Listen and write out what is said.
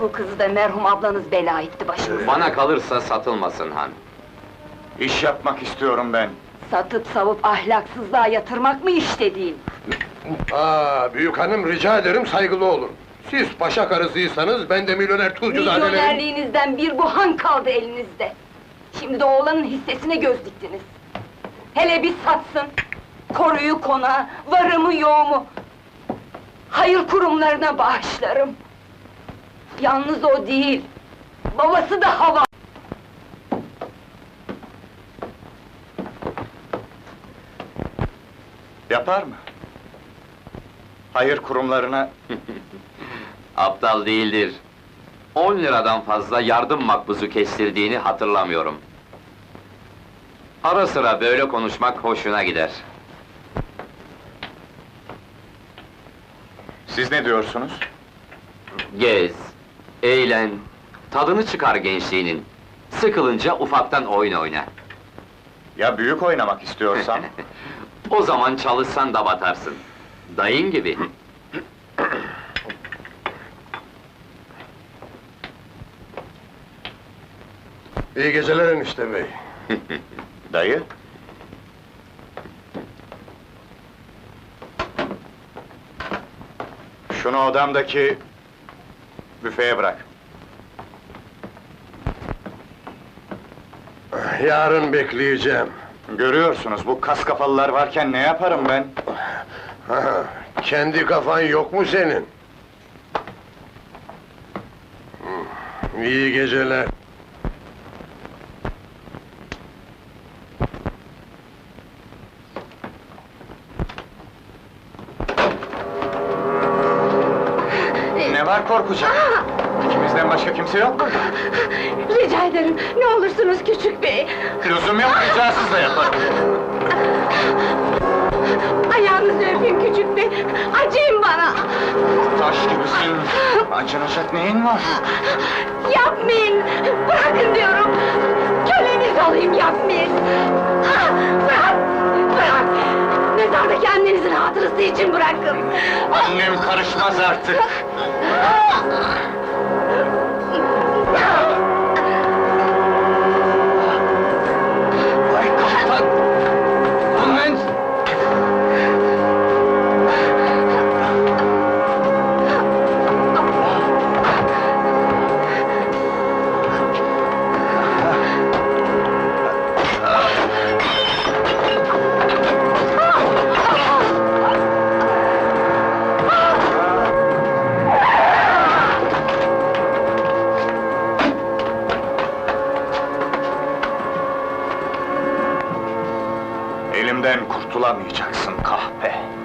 Bu kızı da merhum ablanız bela etti başımıza. Bana kalırsa satılmasın han. İş yapmak istiyorum ben. Satıp savup ahlaksızlığa yatırmak mı iş dediğin? Büyük hanım rica ederim saygılı olun. Siz paşa karısıysanız ben de milyoner tuzcuzadelerim. Milyonerliğinizden bir bu han kaldı elinizde. Şimdi de oğlanın hissesine göz diktiniz. Hele bir satsın! Koruyu konağı, varımı yoğumu! Hayır kurumlarına bağışlarım! Yalnız o değil, babası da hava! Yapar mı? Hayır kurumlarına... Aptal değildir. 10 liradan fazla yardım makbuzu kestirdiğini hatırlamıyorum. Ara sıra böyle konuşmak hoşuna gider. Siz ne diyorsunuz? Gez, eğlen, tadını çıkar gençliğinin. Sıkılınca ufaktan oyun oyna. Ya büyük oynamak istiyorsam? O zaman çalışsan da batarsın. Dayın gibi. İyi geceler enişte bey. Dayı? Şunu odamdaki... büfeye bırak. Yarın bekleyeceğim. Görüyorsunuz, bu kas kafalılar varken ne yaparım ben? Kendi kafan yok mu senin? İyi geceler. Ne var korkacak? İkimizden başka kimse yok mu? Rica ederim, ne olursunuz küçük bey! Lüzum yok, ricasız da yaparım. Ayağınızı öpeyim küçük bey, acıyın bana! Taş gibisin, acınacak neyin var? Yapmayın! Bırakın diyorum! Köleniz olayım, yapmayın! Bırak! Bırak! Mezardaki annenizin hatırası için bırakın! Annem karışmaz artık! Vay kaptan! Annen! Elimden kurtulamayacaksın kahpe!